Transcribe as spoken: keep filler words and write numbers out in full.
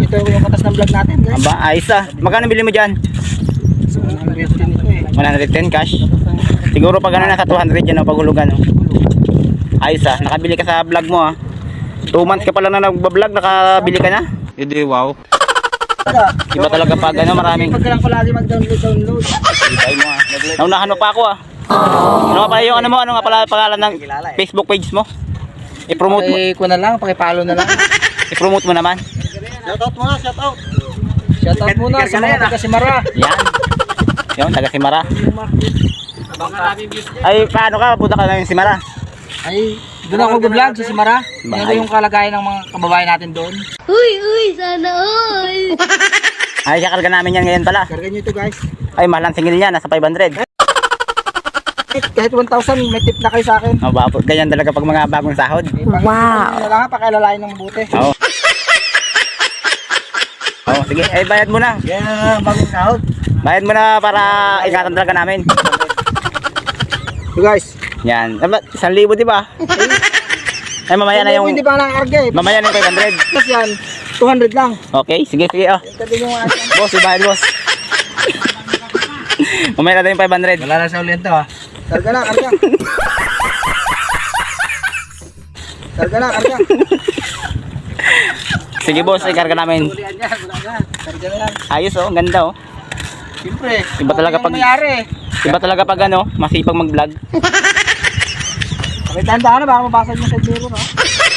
ito yung katas ng vlog natin, guys. Aba, ayos ah. Magkano bili mo dyan? So, one hundred ten ito eh. one hundred ten cash. Siguro pag ano nasa two hundred yan o paghulugan. Oh. Ayos ah. Nakabili ka sa vlog mo ah. two months ka pala na nagbablog, nakabili ka na? Hindi, wow. Iba talaga pag ano, maraming. Pag ka lang palagi mag-download, download. Ibay mo ah. Naunahan mo pa ako ah. Ano nga pala yung ano mo? Ano nga pala pangalan ng Facebook page mo? I-promote mo. Paki ko na lang, paki-follow na lang. I-promote mo naman. Shoutout muna, shoutout. Shoutout muna sa mga taga Simara. Yan. Yung taga Simara. Ay, paano ka? Punta ka na yung Simara. Ay, doon ako mag-vlog sa Simara. Ano yung kalagayan ng mga kababayan natin doon? Uy, uy, sana all. Ay, kakarga namin yan ngayon pala. Karga nyo ito, guys. Ay, mahal ang singil niya. Nasa five hundred. Kahit one thousand, may tip na kayo sa akin. Oh, bapo. Ganyan talaga pag mga bagong sahod. Wow. Na lang, pakilalain ng mabuti. Oo. Oh, sige. Ay, bayad mo na. Yeah, bagong sahod. Bayad mo na para ingatan talaga namin. So guys, Yan. Isang libo, di ba? Ay, mamaya na yung... hindi pa nakakarga eh. Mamaya na yung five hundred. Kasi yan, two hundred lang. Okay, sige, sige. Oh. Ito din yung asin. Boss, ibayad, boss. Mamaya na yung five hundred. Wala na sa ulit ito ah. Karga na, karga. Karga na, karga. Sige, boss. Ikarga namin. Ulian yan, wala na. Karga na yan. Ayos, oh. Ang ganda, oh. Siyempre. Iba talaga okay pag- yung mayari. Iba talaga pag ano, masipag mag-vlog. Okay, tanda ka na, baka mabasag mo sa biro, no?